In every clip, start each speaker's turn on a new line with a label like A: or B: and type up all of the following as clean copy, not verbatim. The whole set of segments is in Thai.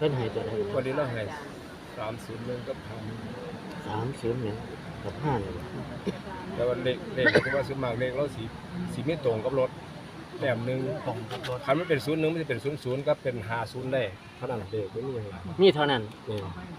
A: พิ่นให้ตัวใด
B: วันนี้เราให้301กับ
A: 301กับ5นี่
B: แต่ว่าเลขคือว่าส่วนมากเลขเราสีไม่ตรงกับรถแต้มนึงตรงกับรถคันมันเป็น01มันจะเป็น00กับเป็น50ได้เท่านั้นเลขบ่มีหยังหลาย
A: มีเท่านั้น
B: นี่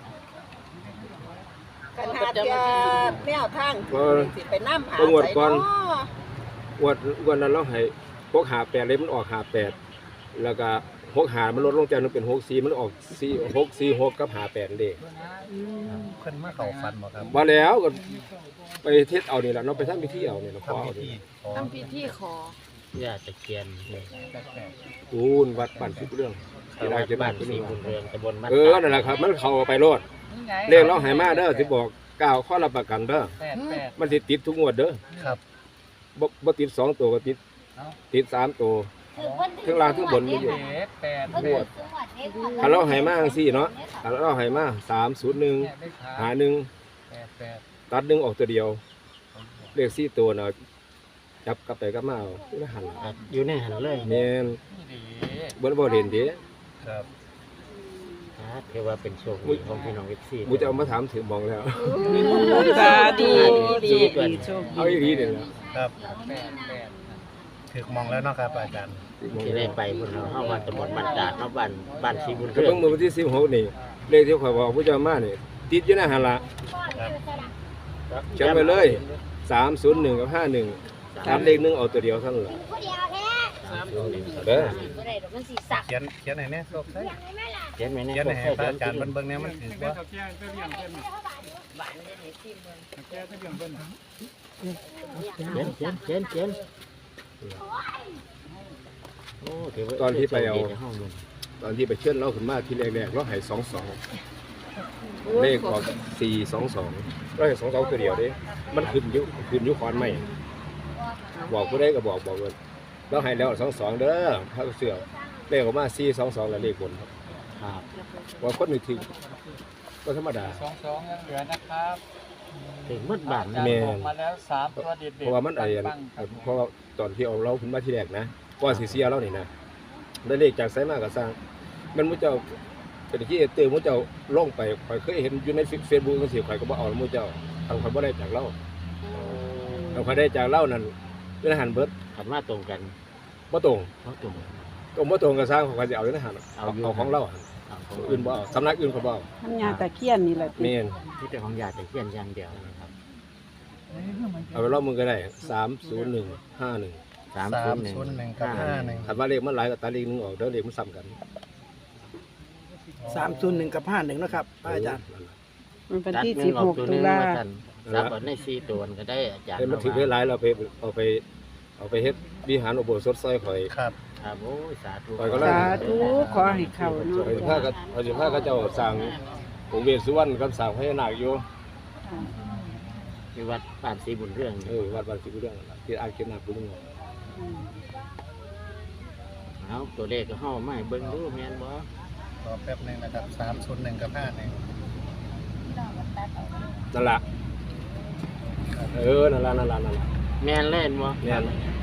C: กันหาเที่ยแนวทางสิไปนำหา
B: งวด
C: ใส่
B: ก่อน
C: เนาะ
B: วันนั้นเราให้658เลยมันออก58แล้วก็65มันลดลงจากนึงเป็น64มันออก4646กับ58เลข
D: เพิ่นมาเข้าฟันบ่ครับ
B: มาแล้วก็ไปเทศเอานี่ล่ะเนาะไปทำพิธีเอานี่เนาะขอ
D: ทำ
B: เอา
D: พิ
B: นี่
D: ธีขอ
C: ทำพิธีขอ
A: ย่าตะเคียน
B: อูนวัดบ้านสิบเรื่องที่ได้จะบ้า
A: บ้าน น
B: ที่
A: สี
B: นี่
A: บุญเรืองตำบลบ้าน
B: นั่นแหละครับมันเข้าไปโลดเลขเราให้มาเด้อสิบอกกล่าวข้อรับประกันเด้อมันสิติดทุกงวดเด้อ
D: ครับ
B: บ่ติด2ตัวก็ติด3ตัวทั้งล่างทั้งบนมีอยู่งวดถ้าเราให้มาจังซี่เนาะถ้าเราให้มา301 51ตัด1ออกตัวเดียวเลข4ตัวเนาะจับกลับไปกลับมาเอาแล้วหัน
A: อยู่ในหันเลย
B: แม่นบ่เห็นเด้
D: ครับ
A: ถือว่าเป็นโชคดีของพี่น้อง FC
B: มูจะเอามาถามถึงมองแล้ว
C: สาธุดี
B: เอาอีกทีเดียว
D: ครับถึกมองแล้วเนาะครับอาจารย์
A: ที่ได้ไปพุ่นเนาะเฮาว่าตำบลบ้านตาดเนาะบ้านสีบุญ
B: ก็
A: เรื
B: เพิ่
A: อง
B: งมือวันที่16นี่เลขที่ข่อยบอกผู้เจ้ามานี่ติดอยู่ในหันละ
D: ครับ
B: เขียนไว้เลย301กับ51ตัดเลข1เอาตัวเดียวเท่านั้นล่ะเด้อ
D: เขียนให้แน่โซกใส่
A: เขียนไว้ใน
D: เขียนให้พระอาจารย์เบิ่งแน่มันถือบ่
A: เขียนโอ้ถือว่า
B: ตอนที่ไปเอา
A: ในห้องมัน
B: ตอนที่ไปเชิญเราขึ้นมาที่แรกๆเราให้22เลขออก422เราให้22ตัวเดียวเด้มันขึ้นอยู่ขอนไม้บอกผู้ใดก็บอกเลยเราให้แล้ว22เด้อถ้าเสือเลขออกมา422แล้วเลขบนครับ
A: ครับ
B: ว่าคนนึกถึงก็ธรรมดา
E: 22ยังเหลือนะครับ
A: ถึงมืดบ้าน
B: แม่
E: บอกมาแล้ว3ตัวเด็ดๆ
B: เพราะว่ามันเพราะว่าตอนที่เอาเราขึ้นมาที่แรกนะก่อนสิเสียเรานี่นะได้เลขจากไสมาก็สร้างมันมุเจ้าเป็นที่เตือนมุเจ้าลงไปข่อยเคยเห็นอยู่ใน Facebook จังซี่ข่อยก็บ่เอามุเจ้าทางข่อยบ่ได้จากเราทางข่อยได้จากเรานั่นเป็นอาหารเบิด
A: ขับมาตรงกัน
B: บ่ตรง
A: เขาตรง
B: บ่ตรงก็สร้างข่อยสิเอาอยู่ในอาหารเอาของเรา
A: เอาของ
B: อื่นบ่เอาสำนักอื่นเขาบ่เอา
F: ทำยาตะเคียนนี่แหละติ
B: แม่น
A: ที่เป็นของยาตะเคียนอย่างเดียวนะครับ
B: เอาไปรอบมึงก็ได้30151
A: 301
D: กับ51
B: คันว่าเลขมันหลายก็ตัดเลขนึงออกเด้อเลขมันซ้ำกัน
F: 301กับ51นะครับอาจารย์ มันเป็นที่
A: ตัดหนึ่งออก
F: 16
A: ห
F: ตุ
A: นึ่ง
F: ลา
A: มาสั่นรับเอาใน4ตัวก็ได้อาจารย์
B: เห็นมันถือได้หลายเราเอาไปเฮ็ดวิหารอุโบสถซอยข่อย
D: ครับ
A: ครับโอ้ยสาธุ
B: ข่อยก็เลย
F: สาธุขอให้เข้าเนาะ
B: ข่อยสิพาก็เจ้าสร้างองค์เวสสุวรรณกับสร้างพญานาคอยู่
A: ที่วัดบ้านสีบุญเรื่อง
B: วัดบ้านสิบุเรื่องนั่นล่ะที่อ่างเก็บน้ำปุ้ง
A: เอาตัวเลขก็เฮามาให้เบิ่งดูแม่นบ่
D: รอแป๊บนึงนะครับ301กับ51
B: นั่นล่ะนั่นล่ะ
A: แม่นเล่นบ่
B: เนี่ย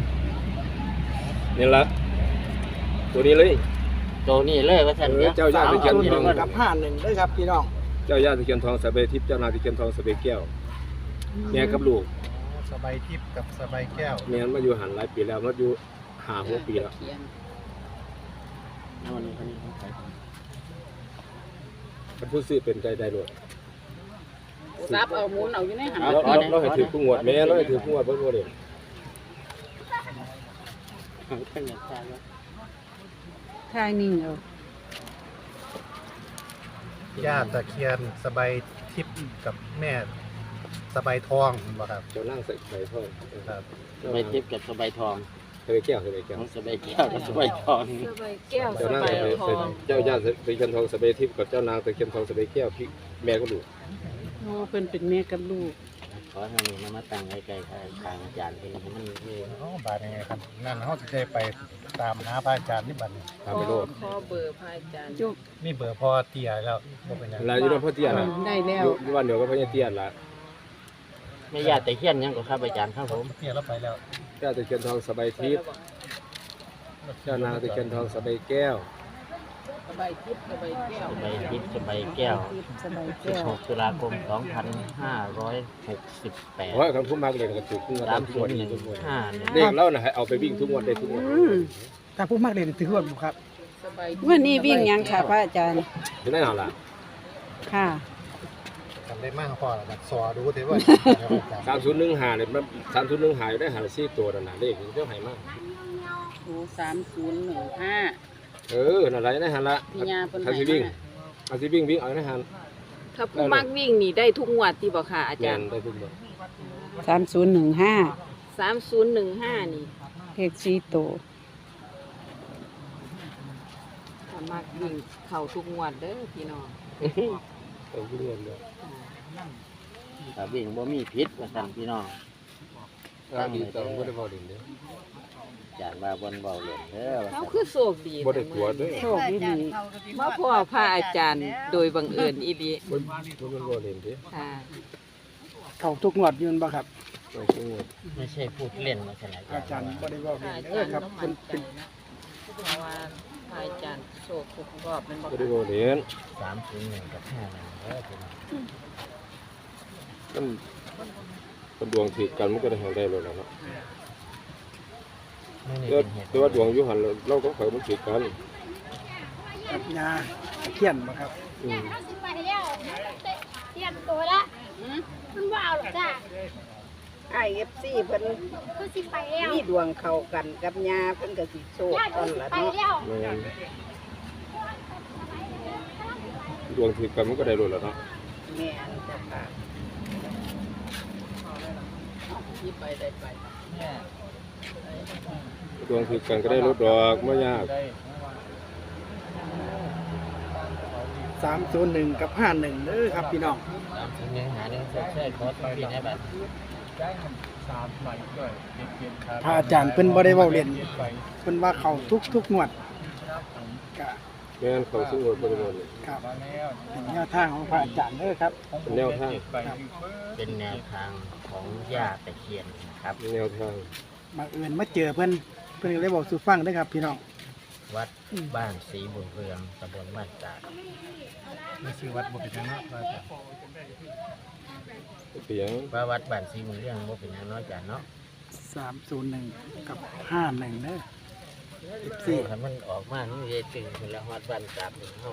B: นี่ล่ะตัวนี้เลย
A: ตัวนี้เลยว่าซั่น
B: เจ้าย่าตะเคียนทอง
F: กับ51ด้วยครับพี่น้อง
B: เจ้าย่าตะเคียนทองสะเบทิพย์เจ้านาตะเคียนทองสะเบแก้วแม่กับลูก
D: สบายทิพย์กับสบายแก้ว
B: แม่นมาอยู่หันหลายปีแล้วมาอยู่5-6ปีแล้ว
A: เอาอันนี้ของใคร
B: คันผู้ซื้อเป็นใจได้โลด
C: รับเอาหมุนเอาอยู่ในหัน
B: เราให้ถือผู้งวดแม่เราให้ถือผู้งวดบ่บ่ได้
A: ของเพิ่นอยากทราบว่า
F: ทายนิ่งเอา
D: ย่าตะเคียนสบายทิพย์กับแม่สบายทองบ่ครับ
B: เจ้านั่งใส่ไข่ทอง
D: ครับ
A: สบายทิพย์กับสบายทอง
B: สะเบแก้วสะเบแก้ว
A: ของสบายแก้วกับสบายทอง
C: สบายแก้วส
B: เจ้านั่ง
C: บาย
B: ใส่
C: ทอง
B: เจ้าย่าตะเคียนทองสะเบทิพย์กับเจ้านางตะเคียนทองสะเบแก้วพี่แม่ก็ลูก
F: โอ้เพิ่นเป็นแม่กับลูก
A: ขอให้มีนมาตั้งไกลๆทางอาจารย์เพิ่นให้มันมี
D: อ๋อบาดยังไงครับนั่นเฮาสิได้ไปตามหาพระอาจารย์นี่บัดนี้
B: ตามไปโลด
C: ขอเบอร์พระอาจารย์
F: จุก
D: มีเบอร์พ่อเตี้ยแล้วบ่เป็นหยัง
B: หลายอยู่ในพ่อเตี้ยล่ะ
F: ได้แล้ว
B: อยู่บ้านเดียวกับพ่อเตี้ยล่ะ
A: แม่ย่าตะเคียนหยังก็ครับอาจารย์ครับผม
D: เตี้ยเราไปแล้ว
B: เจ้าตะเคียนทองสะเบทิพย์เจ้านางตะเคียนทองสะเบแก้ว
C: สบายทิพย์สบายแก้ว
A: สบายทิพย์สบายแก้ว
C: สบายแก้ว
A: 16 ตุลาคม 2568
B: เพราะคันผู้มักเล่นก็ถูกทุกงวดทุกงวดทุกงวด
A: 3015
B: เด็กเราน่ะให้เอาไปวิ่งทุกงวดได้ทุกงวด
F: ถ้าผู้มากเรียนถือว่าบุครับ
C: สบาย
G: วันนี้วิ่งยังค่ะพระอาจารย์
B: จะได้เอาล่ะ
G: ค่ะ
D: จำได้มากพอแล้วแบบสอดูแต่ว่า
B: 3015เนี่ยมัน3015อยู่ได้หาละ4ตัวนั่นน่ะเลขเจ้าให้มา
C: โอ้3015
B: นั่นล่ะได้หันละ
C: พี่ยาเพิ่น
B: ถ้า
C: ให้
B: สิวิ่ง
C: มา
B: ถ้าสิวิ่งเอาได้หัน
C: ถ้าผู้มักวิ่งนี่ได้ทุกงวดที่บ่ค่ะอา
B: แม่
C: จาร
B: น
C: ย์
B: ได้ทุกงวด
G: 3015
C: 3015นี่
G: เลข4ตัว
C: ถ้ามักวิ่งเข้าทุกงวดเด้อพี่น้อง
B: เอาทุกงวดเลย
A: ถ้าวิ่งบ่มีพิษว่าซั่นพี่น้อง
B: ดีต่อบ่ได้บ่เล่นเด้อ
A: อาจารย์ว่าบ่นเว้าเล่นเด้อว่า
C: เขา
A: ซั่น
C: คือโชคดี
B: บ่ได้ตัวเด้อ
G: โชคดี
C: มาพ่อพระอาจารย์โดยบังเอิญอีหลี
B: บ่บ่เล่นเด้อ
C: ค่ะ
F: เขาทุกงวดยืนบ่ครับ
B: เอาทุกงวด
A: ไม่ใช่พูดเล่นว่าซั่น
F: อาจารย์บ่ได้บอก
C: พระอา
F: เด้
C: จา
F: อ
C: รย์
F: ครับ
C: ต้อง
F: เป็
C: มั่
F: น
C: นใจ
F: เป็น
C: นะเพราะว่าพระอาจารย์โชคทุกรอบแมันบ่
B: บ่ได้บ่เล่น
A: 301กับ51เด้อพี่น้อง
B: มันดวงถือกันมันก็ได้หาได้แล้วล่ะเนาะ
A: มื้อนี้
B: แต่
A: เป็นเหตุ
B: แต่ว่าดวงอยู่หั่นเราก็ข่อยมันถือกัน
F: กับยาตะเคียนบ่ครับ
B: อืม
H: สิไปแล้วเตรียมตัวละมันว่าเอาหรอกจ้า
C: IFC เพิ่น
H: ก็สิไปแล้ว
C: มีดวงเข้ากันกับยาเพิ่นก็สิโชค
H: ญาติ
C: ก่
H: ก็
C: อน
H: สิ
C: ละ
H: ไป
C: เนาะ
H: แล้ว
B: แม่นดวงถือกันมันก็ได้แล้วล่ะเนาะ
C: แม่นจ้ะค่ะที่ไปได้ไป
E: เนี่ย
B: ดวงถือกันก็ได้ลดดอกบ่ยาก
E: ได้
F: 301กับ51เด้อครับพี่น้อง
A: 301หา1ใช่ขอต้องพี่ให้บัด
E: ได้3ใบด้วยเก็บครับ
F: พระอาจารย์เพิ่นบ่ได้เว้าเล่นเพิ่นว่าเขาทุกงวดก็
B: แม่นเขาสู้บ่ได้บ่เลย
F: ครับ
E: มาแล้ว
F: เป็นแนวทางของพระอาจารย์เด้อครับ
B: เป็นแนวทาง
A: เป็นแนวทางของย่าตะเคียนนะครับ
B: แนวทาง
F: บังเอิญมาเจอเพิ่นก็เลยบอกสู่ฟังเด้อครับพี่น้อง
A: วัดบ้านศรีบุญเรืองตำบลบ้านจาด
D: มีชื่อวัดบ่เป็นจังเนาะว่าแต่
B: เสียง
A: ว่าวัดบ้านศรีบุญเรืองบ่เป็นหยังน้อยจานเนาะ
F: 301กับ51เด้อ
A: สี่คันมันออกมานี่จะตึงเป็นละวัดบ้านจาดของเฮา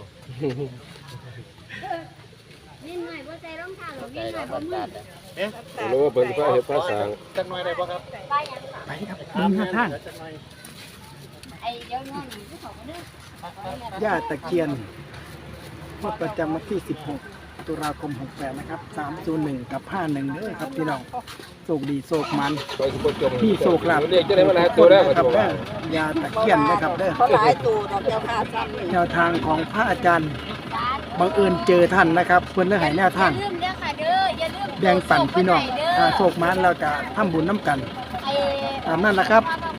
H: นิดหน่อยบ่ใจร่องเท้าหรอก
A: ใจ
H: นิดหน่
A: เรา
H: อยบ่
A: บ้าน
H: มื
A: จา
H: อ
A: ด
B: รู้ว่าเพิ่นพาเฮ็ดภาษา
D: จักหน่อยได้บ่ครับ
H: ไปยัง
F: ไปครับเบิ่งแนวทาง
H: ไอ้เดี๋ยวนอนอยู่ที่เขาก็เด้อ
F: ย่าตะเคียนงวดประจำวันที่ 16 ตุลาคม 68 นะครับ 301 กับ 51เด้อครับพี่น้องโชคดีโชคมัน
B: ไปสิบ่จม
F: พี่โชคลาภ
B: เรียกจะได้มาหลายตัวแล้ว
F: ค
B: ค
F: รั
B: รั
F: บบ เด้อยาตะเคียนนะครับเด้อ
C: เขาหลายตัวดอกเจ้าค่ะซ้ำนี่
F: แนวทางของพระอาจารย์บังเอิญเจอท่านนะครับเพิ่นเลยให้แนวทาง
H: อย่าลืมเด้อค่ะเด้ออย่าลืม
F: แบ่งปันพี่น้อง
H: เด้อ
F: ถ้าโชคมันเราจะทำบุญน้ำกัน
H: ไอ้
F: ตามนั้นนะครับ